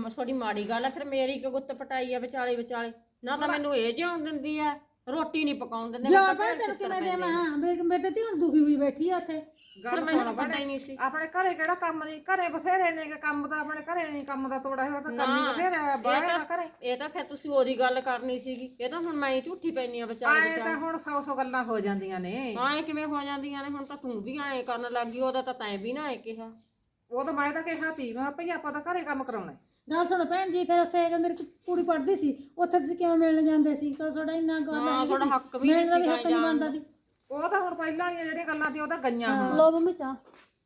ਥੋੜੀ ਮਾੜੀ ਗੱਲ ਆ। ਫਿਰ ਮੇਰੀ ਕਿ ਗੁੱਤ ਪਟਾਈ ਆ ਵਿਚਾਲੇ ਵਿਚਾਲੇ, ਨਾ ਤਾਂ ਮੈਨੂੰ ਇਹ ਜਿਉਣ ਦਿੰਦੀ ਆ, ਰੋਟੀ ਨਹੀਂ ਪਕਾਉਣ ਦਿੰਦੇ। ਜਾ ਭੈਣ ਤੈਨੂੰ ਕਿਵੇਂ ਦੇਵਾਂ? ਮੇਰੇ ਤੇ ਹੁਣ ਦੁਖੀ ਹੋਈ ਬੈਠੀ ਆ ਉੱਥੇ। ਫਿਰ ਮੈਨੂੰ ਪਤਾ ਹੀ ਨਹੀਂ ਸੀ ਆਪਣੇ ਘਰੇ ਕਿਹੜਾ ਕੰਮ ਨਹੀਂ, ਘਰੇ ਬਥੇਰੇ ਨੇ ਕੰਮ ਤਾਂ ਆਪਣੇ ਘਰੇ ਨਹੀਂ, ਕੰਮ ਦਾ ਤੋੜਾ ਹੈ ਤਾਂ ਕੰਮ ਹੀ ਬਥੇਰਾ ਬਾਹਰ ਘਰੇ। ਇਹ ਤਾਂ ਫਿਰ ਤੁਸੀਂ ਉਹਦੀ ਗੱਲ ਕਰਨੀ ਸੀਗੀ, ਇਹ ਤਾਂ ਹੁਣ ਮੈਂ ਹੀ ਝੂਠੀ ਪੈਣੀ ਆ ਵਿਚਾਲੇ ਆਏ ਤਾਂ ਹੁਣ 100 ਗੱਲਾਂ ਹੋ ਜਾਂਦੀਆਂ ਨੇ। ਐ ਕਿਵੇਂ ਹੋ ਜਾਂਦੀਆਂ ਨੇ? ਹੁਣ ਤਾਂ ਤੂੰ ਵੀ ਐ ਕਰਨ ਲੱਗੀ, ਉਹਦਾ ਤਾਂ ਤੈਂ ਵੀ ਨਾ ਐ ਕਿਹਾ। ਉਹ ਤਾਂ ਮੈਂ ਤਾਂ ਕਿਹਾ ਤੀ, ਮੈਂ ਭਈ ਆਪਾਂ ਤਾਂ ਘਰੇ ਕੰਮ ਕਰਾਉਣਾ। ਗੱਲ ਸੁਣ ਭੈਣ ਜੀ, ਫਿਰ ਉੱਥੇ ਜਦੋਂ ਮੇਰੀ ਕੁੜੀ ਪੜ੍ਹਦੀ ਸੀ ਉੱਥੇ ਤੁਸੀਂ ਕਿਉਂ ਮਿਲਣ ਜਾਂਦੇ ਸੀ? ਕਦੋਂ ਤੁਹਾਡਾ ਇੰਨਾ ਗੱਲ ਹੈ ਥੋੜਾ ਹੱਕ ਵੀ ਮਿਲਣ ਦਾ ਵੀ ਹੱਕ ਨਹੀਂ ਬਣਦਾ ਦੀ। ਉਹ ਤਾਂ ਹੁਣ ਪਹਿਲਾਂ ਵਾਲੀਆਂ ਜਿਹੜੀਆਂ ਗੱਲਾਂ ਸੀ ਉਹ ਤਾਂ ਗਈਆਂ ਹੁਣ। ਲੋ ਮੰਮੀ ਚਾਹ।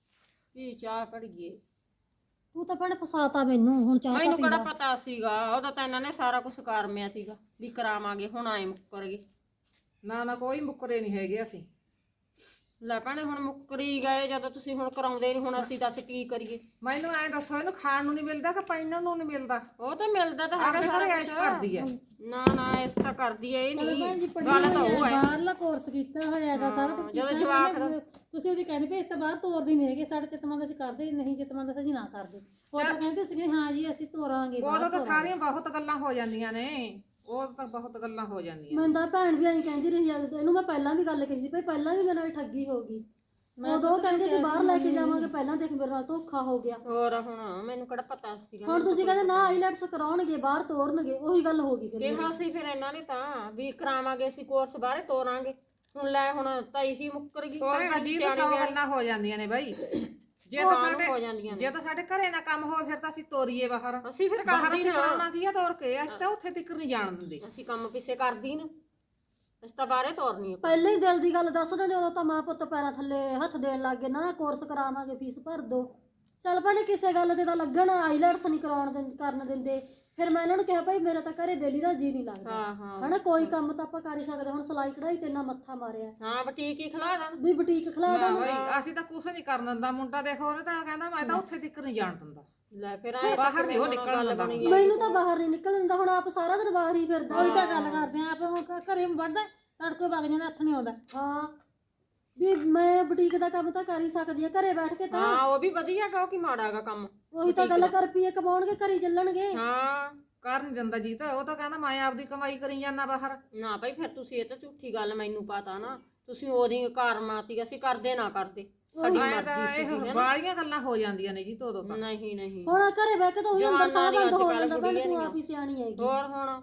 ਕੀ ਚਾਹ ਕੜੀਏ? ਤੂੰ ਤਾਂ ਭੈਣ ਫਸਾਤਾ ਮੈਨੂੰ, ਹੁਣ ਚਾਹ ਮੈਨੂੰ ਕਿਹੜਾ ਪਤਾ ਸੀਗਾ? ਉਹਦਾ ਤਾਂ ਇਹਨਾਂ ਨੇ ਸਾਰਾ ਕੁਝ ਕਰਮਿਆ ਸੀਗਾ ਵੀ ਕਰਾਵਾਂਗੇ, ਹੁਣ ਆਏ ਮੁੱਕਰ ਗਏ। ਨਾ ਕੋਈ ਮੁੱਕਰੇ ਨਹੀਂ ਹੈਗੇ ਅਸੀਂ। ਲੈ ਭੈਣੇ ਹੁਣ ਮੁੱਕਰੀ ਗਏ ਜਦੋਂ ਤੁਸੀਂ ਹੁਣ ਕਰਾਉਂਦੇ ਨਹੀਂ, ਹੁਣ ਅਸੀਂ ਦੱਸ ਕੀ ਕਰੀਏ? ਮੈਨੂੰ ਐਂ ਦੱਸੋ, ਇਹਨੂੰ ਖਾਣ ਨੂੰ ਨਹੀਂ ਮਿਲਦਾ ਕਿ ਪਹਿਨਣ ਨੂੰ ਨਹੀਂ ਮਿਲਦਾ? ਉਹ ਤਾਂ ਮਿਲਦਾ ਤਾਂ ਹੈਗਾ ਸਾਰਾ ਐਸ਼ ਕਰਦੀ ਐ। ਨਾ ਨਾ ਇਸ ਤਾਂ ਕਰਦੀ ਐ, ਇਹ ਨਹੀਂ ਗੱਲ ਤਾਂ ਉਹ ਹੈ। ਬਾਹਰਲਾ ਕੋਰਸ ਕੀਤਾ ਹੋਇਆ ਹੈਗਾ, ਸਾਰਾ ਕੁਝ ਕੀਤਾ ਹੋਇਆ। ਤੁਸੀਂ ਉਹਦੀ ਕਹਿੰਦੇ ਵੀ ਇਸ ਤਾਂ ਬਾਹਰ ਤੋਰਦੇ ਨਹੀਂ ਹੈਗੇ, ਸਾਡੇ ਚਿਤਮਾਂ ਦਾ ਅਸੀਂ ਕਰਦੇ ਨਹੀਂ, ਚਿਤਮਾਂ ਦਾ ਅਸੀਂ ਨਾ ਕਰਦੇ। ਉਹ ਤਾਂ ਕਹਿੰਦੇ ਤੁਸੀਂ ਹਾਂ ਜੀ ਅਸੀਂ ਤੋਰਾਂਗੇ। ਉਦੋਂ ਤਾਂ ਸਾਰੀਆਂ ਬਹੁਤ ਗੱਲਾਂ ਹੋ ਜਾਂਦੀਆਂ ਨੇ, ਉਹ ਤਾਂ ਬਹੁਤ ਗੱਲਾਂ ਹੋ ਜਾਂਦੀਆਂ। ਮੈਂ ਤਾਂ ਭੈਣ ਵੀ ਐਂ ਕਹਿੰਦੀ ਰਹੀ ਆ, ਇਹਨੂੰ ਮੈਂ ਪਹਿਲਾਂ ਵੀ ਗੱਲ ਕੀਤੀ ਸੀ ਭਈ ਪਹਿਲਾਂ ਵੀ ਮੇਰੇ ਨਾਲ ਠੱਗੀ ਹੋ ਗਈ। ਉਦੋਂ ਕਹਿੰਦੇ ਸੀ ਬਾਹਰ ਲੈ ਕੇ ਜਾਵਾਂਗੇ, ਪਹਿਲਾਂ ਦੇਖ ਮੇਰੇ ਨਾਲ ਧੋਖਾ ਹੋ ਗਿਆ। ਹੋਰ ਹੁਣ ਮੈਨੂੰ ਕਿਹੜਾ ਪਤਾ ਸੀਗਾ? ਹੁਣ ਤੁਸੀਂ ਕਹਿੰਦੇ ਨਾ ਆਈਲੈਟਸ ਕਰਾਉਣਗੇ, ਬਾਹਰ ਤੋਰਨਗੇ, ਉਹੀ ਗੱਲ ਹੋ ਗਈ ਫਿਰ। ਕਿਹਾ ਸੀ ਫਿਰ ਇਹਨਾਂ ਨੇ ਤਾਂ ਵੀ ਕਰਾਵਾਂਗੇ ਅਸੀਂ ਕੋਰਸ, ਬਾਹਰੇ ਤੋਰਾਂਗੇ। ਹੁਣ ਲੈ ਹੁਣ ਤਾਂ ਇਹੀ ਮੁੱਕਰ ਗਈ। ਹੋਰ ਜੀ 100 ਗੱਲਾਂ ਹੋ ਜਾਂਦੀਆਂ ਨੇ ਬਾਈ। ਜੇ ਤਾਂ ਸਾਡੇ ਘਰੇ ਨਾ ਕੰਮ ਹੋਵੇ ਫਿਰ ਤਾਂ ਅਸੀਂ ਤੋਰੀਏ ਬਾਹਰ। ਅਸੀਂ ਫਿਰ ਬਾਹਰ ਅਸੀਂ ਕਰਾਉਣਾ ਕੀ ਆ ਤੋਰ ਕੇ? ਅਸੀਂ ਤਾਂ ਉੱਥੇ ਤੱਕ ਨਹੀਂ ਜਾਣ ਦਿੰਦੇ। ਅਸੀਂ ਕੰਮ ਪਿੱਛੇ ਕਰਦੀ ਨਾ, ਅਸੀਂ ਤਾਂ ਬਾਹਰੇ ਤੋਰਨੀ ਆ। ਪਹਿਲਾਂ ਹੀ ਦਿਲ ਦੀ ਗੱਲ ਦੱਸ ਦਿੰਦੇ, ਉਦੋਂ ਤਾਂ ਮਾਂ ਪੁੱਤ ਪੈਰਾਂ ਥੱਲੇ ਹੱਥ ਦੇਣ ਲੱਗ ਗਏ ਨਾ, ਕੋਰਸ ਕਰਾਵਾਂਗੇ ਫੀਸ ਭਰ ਦੋ। ਚੱਲ ਭੈਣੇ ਕਿਸੇ ਗੱਲ ਤੇ ਤਾਂ ਲੱਗਣ, ਆਈਲੈਟਸ ਨਹੀਂ ਕਰਨ ਦਿੰਦੇ। ਫਿਰ ਮੈਂ ਇਹਨਾਂ ਨੂੰ ਕਿਹਾ ਭਾਈ ਮੇਰਾ ਤਾਂ ਘਰੇ ਬੇਲੀ ਦਾ ਜੀ ਨਹੀਂ ਲੱਗਦਾ, ਹਨਾ ਕੋਈ ਕੰਮ ਤਾਂ ਆਪਾਂ ਕਰ ਹੀ ਸਕਦੇ। ਹੁਣ ਸਿਲਾਈ ਕਢਾਈ ਤੇ ਇੰਨਾ ਮੱਥਾ ਮਾਰਿਆ। ਹਾਂ ਬੁਟੀਕ ਹੀ ਖਿਲਾ ਦੇਣ, ਵੀ ਬੁਟੀਕ ਖਿਲਾ ਦੇਣ। ਅਸੀਂ ਤਾਂ ਕੁਛ ਨਹੀਂ ਕਰਨ ਦਿੰਦਾ। ਮੁੰਡਾ ਦੇਖੋ ਉਹਨੇ ਤਾਂ ਕਹਿੰਦਾ ਮੈਂ ਤਾਂ ਉੱਥੇ ਤੱਕ ਨਹੀਂ ਜਾਣ ਦਿੰਦਾ। ਲੈ ਫਿਰ ਬਾਹਰ ਨਹੀਂ ਉਹ ਨਿਕਲਣ ਦਿੰਦਾ। ਮੈਨੂੰ ਤਾਂ ਬਾਹਰ ਨਹੀਂ ਨਿਕਲ ਦਿੰਦਾ। ਹੁਣ ਆਪ ਸਾਰਾ ਦਿਨ ਬਾਹਰ ਹੀ ਫਿਰਦਾ। ਉਹੀ ਤਾਂ ਗੱਲ ਕਰਦੇ ਆ, ਆਪ ਹੁਣ ਘਰੇ ਵੜਦਾ ਤੜਕੇ ਵਗ ਜਾਂਦਾ, ਹੱਥ ਨਹੀਂ ਆਉਂਦਾ। ਹਾਂ ਵੀ ਮੈਂ ਬੁਟੀਕ ਦਾ ਕੰਮ ਤਾਂ ਕਰ ਹੀ ਸਕਦੀ ਆ ਘਰੇ ਬੈਠ ਕੇ ਤਾਂ। ਹਾਂ ਉਹ ਵੀ ਵਧੀਆ ਗਾ, ਉਹ ਕੀ ਮਾੜਾ ਗਾ ਕੰਮ। ਉਹੀ ਤਾਂ ਗੱਲ ਕਰ, ਰੁਪਈਏ ਕਮਾਉਣਗੇ ਘਰੇ ਚੱਲਣਗੇ। ਹਾਂ ਕਰ ਨਹੀਂ ਦਿੰਦਾ ਜੀ, ਤਾਂ ਉਹ ਤਾਂ ਕਹਿੰਦਾ ਮੈਂ ਆਪਦੀ ਕਮਾਈ ਕਰੀ ਜਾਂਦਾ ਬਾਹਰ। ਨਾ ਭਾਈ ਫਿਰ ਤੁਸੀਂ, ਇਹ ਤਾਂ ਝੂਠੀ ਗੱਲ ਮੈਨੂੰ ਪਤਾ ਨਾ, ਤੁਸੀਂ ਉਹਦੀ ਘਰ ਮਾਤੀ, ਅਸੀਂ ਕਰਦੇ ਨਾ ਕਰਦੇ, ਸਾਡੀ ਮਰਜ਼ੀ ਸੀ। ਬਾਲੀਆਂ ਗੱਲਾਂ ਹੋ ਜਾਂਦੀਆਂ ਨੇ ਜੀ ਉਦੋਂ ਤਾਂ। ਨਹੀਂ ਨਹੀਂ ਹੁਣ ਘਰੇ ਬਹਿ ਕੇ ਤਾਂ ਉਹੀ ਅੰਦਰ ਸਾਹ ਬੰਦ ਹੋ ਜਾਂਦਾ। ਭੈਣ ਤੂੰ ਆਪ ਹੀ ਸਿਆਣੀ ਹੈਗੀ। ਹੋਰ ਹੁਣ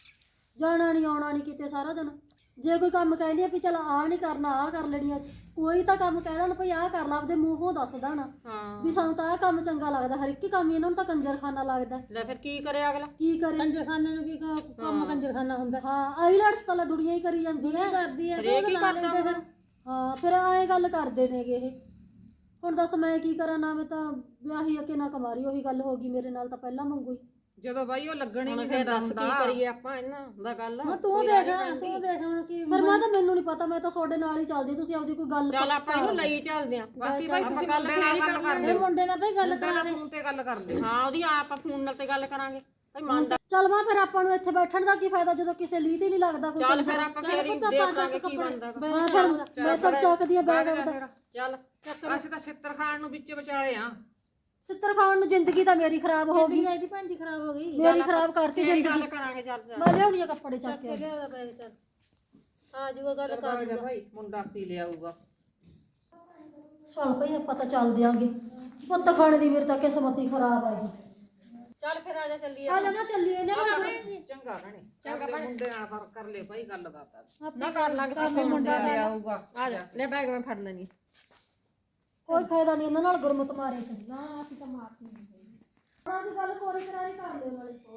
ਜਾਣਾ ਨਹੀਂ ਆਉਣਾ ਨਹੀਂ ਕਿਤੇ ਸਾਰਾ ਦਿਨ। ਜੇ ਕੋਈ ਕੰਮ ਕਹਿੰਦੀ ਆ ਵੀ ਚਲ ਆਹ ਨਹੀਂ ਕਰਨਾ, ਆਹ ਕਰ ਲੈਣੀ ਆ, ਕੋਈ ਤਾਂ ਕੰਮ ਕਹਿ ਦੇਣ ਭਈ ਆਹ ਕਰ ਲਾ, ਆਪਦੇ ਮੂੰਹੋਂ ਦੱਸ ਦੇਣ ਵੀ ਸਾਨੂੰ ਤਾਂ ਆਹ ਕੰਮ ਚੰਗਾ ਲੱਗਦਾ। ਹਰ ਇੱਕ ਕੰਮ ਇਹਨਾਂ ਨੂੰ ਤਾਂ ਕੰਜਰਖਾਨਾ ਲੱਗਦਾ। ਲੈ ਫਿਰ ਕੀ ਕਰੇ ਅਗਲਾ? ਕੀ ਕਰੇ? ਕੰਜਰਖਾਨੇ ਨੂੰ ਕੀ ਕੰਮ ਕੰਜਰਖਾਨਾ ਹੁੰਦਾ? ਹਾਂ ਆਈਲੈਟਸ ਤਾਂ ਦੁਨੀਆ ਹੀ ਕਰੀ ਜਾਂਦੀ ਹੈ, ਕਰਦੀ ਹੈ। ਹਾਂ ਫਿਰ ਐਂ ਗੱਲ ਕਰਦੇ ਨੇਗੇ ਇਹ। ਹੁਣ ਦੱਸ ਮੈਂ ਕੀ ਕਰਾਂ? ਨਾ ਮੈਂ ਤਾਂ ਵਿਆਹੀ ਅਕੇ ਨਾ ਕਮਾਰੀ, ਉਹੀ ਗੱਲ ਹੋ ਗਈ ਮੇਰੇ ਨਾਲ ਤਾਂ ਪਹਿਲਾਂ ਮੰਗੂ ਹੀ। ਜਦੋਂ ਬਾਈ ਉਹ ਲੱਗਣੀ ਨਹੀਂ ਫਿਰ ਦੱਸ ਕੀ ਕਰੀਏ ਆਪਾਂ ਇਹਨਾਂ ਦਾ? ਗੱਲ ਤੂੰ ਦੇਖ ਹੁਣ ਕੀ। ਫਿਰ ਮੈਂ ਤਾਂ ਮੈਨੂੰ ਨਹੀਂ ਪਤਾ, ਮੈਂ ਤਾਂ ਤੁਹਾਡੇ ਨਾਲ ਹੀ ਚੱਲਦੀ। ਤੁਸੀਂ ਆਪਦੀ ਕੋਈ ਗੱਲ ਚੱਲ ਆਪਾਂ ਇਹਨੂੰ ਲਈ ਚੱਲਦੇ ਆਂ। ਬਾਕੀ ਭਾਈ ਤੁਸੀਂ ਗੱਲ ਕਰ ਲਿਓ, ਮੁੰਡੇ ਨਾਲ ਭਾਈ ਗੱਲ ਕਰਾ ਦੇ। ਫੋਨ ਤੇ ਗੱਲ ਕਰ ਲਿਓ। ਹਾਂ ਉਹਦੀ ਆਪਾਂ ਫੋਨ ਨਾਲ ਤੇ ਗੱਲ ਕਰਾਂਗੇ ਭਾਈ। ਮੰਨਦਾ ਚੱਲ ਮੈਂ ਫਿਰ ਆਪਾਂ ਨੂੰ ਇੱਥੇ ਬੈਠਣ ਦਾ ਕੀ ਫਾਇਦਾ ਜਦੋਂ ਕਿਸੇ ਲੀਹ ਤੇ ਨਹੀਂ ਲੱਗਦਾ ਕੋਈ। ਚੱਲ ਫਿਰ ਆਪਾਂ ਫੇਰ ਹੀ ਦੇਖ ਲਾਂਗੇ ਕੀ ਬਣਦਾ। ਹਾਂ ਫਿਰ ਮੈਂ ਤਾਂ ਚੱਕਦੀ ਆ ਬੈਗ ਆਪਦਾ। ਚੱਲ ਅਸੀਂ ਤਾਂ ਛਿੱਤਰ ਖਾਣ ਨੂੰ ਵਿੱਚ ਵਿਚਾਲੇ ਆ। ਸਿੱਤਰ ਖਾਣ ਨੂੰ ਜ਼ਿੰਦਗੀ ਤਾਂ ਮੇਰੀ ਖਰਾਬ ਹੋ ਗਈ। ਇਹਦੀ ਭੈਣ ਜੀ ਖਰਾਬ ਹੋ ਗਈ, ਮੇਰੀ ਖਰਾਬ ਕਰਤੀ ਫੇਰ ਜ਼ਿੰਦਗੀ। ਗੱਲ ਕਰਾਂਗੇ। ਚੱਲ ਚੱਲ ਮੈਂ ਲਿਆਉਣੀ ਆ ਕੱਪੜੇ ਚੱਕ ਕੇ। ਲਿਆ ਬੈਗ ਚੱਲ ਆ ਜੂਗਾ ਗੱਲ ਕਰ ਜਾ ਭਾਈ, ਮੁੰਡਾ ਪੀ ਲਿਆਊਗਾ। ਚੱਲ ਭਈ ਆਪਾਂ ਤਾਂ ਚੱਲ ਦਿਆਂਗੇ। ਪੁੱਤ ਖਾਣੇ ਦੀ ਮੇਰੀ ਤਾਂ ਕਿਸਮਤ ਹੀ ਖਰਾਬ ਆ ਜੀ। ਚੱਲ ਫਿਰ ਆ ਜਾ ਚੱਲੀਏ। ਆ ਜਾ ਨਾ ਚੱਲੀਏ ਨਾ। ਚੰਗਾ ਭੈਣੇ, ਚੰਗਾ ਮੁੰਡੇ ਨਾਲ ਪਰ ਕਰ ਲੈ ਭਾਈ ਗੱਲ ਬਾਤ। ਨਾ ਕਰ ਲਾਂਗੇ ਸਾਡੇ ਮੁੰਡਾ ਲਿਆਊਗਾ। ਆ ਜਾ ਲੈ ਬੈਗ ਮੈਂ ਫੜ ਲੈਣੀ। ਕੋਈ ਫਾਇਦਾ ਨਹੀਂ ਇਹਨਾਂ ਨਾਲ ਗੁਰਮਤ ਮਾਰੇ ਤੇ। ਨਾ ਅਸੀਂ ਤਾਂ ਮਾਰਤੀ ਨਹੀਂ। ਉਹਨਾਂ ਦੀ ਗੱਲ ਕੋਰੀ ਕਰਾਈ ਕਰ ਲਿਓ ਨਾਲੇ।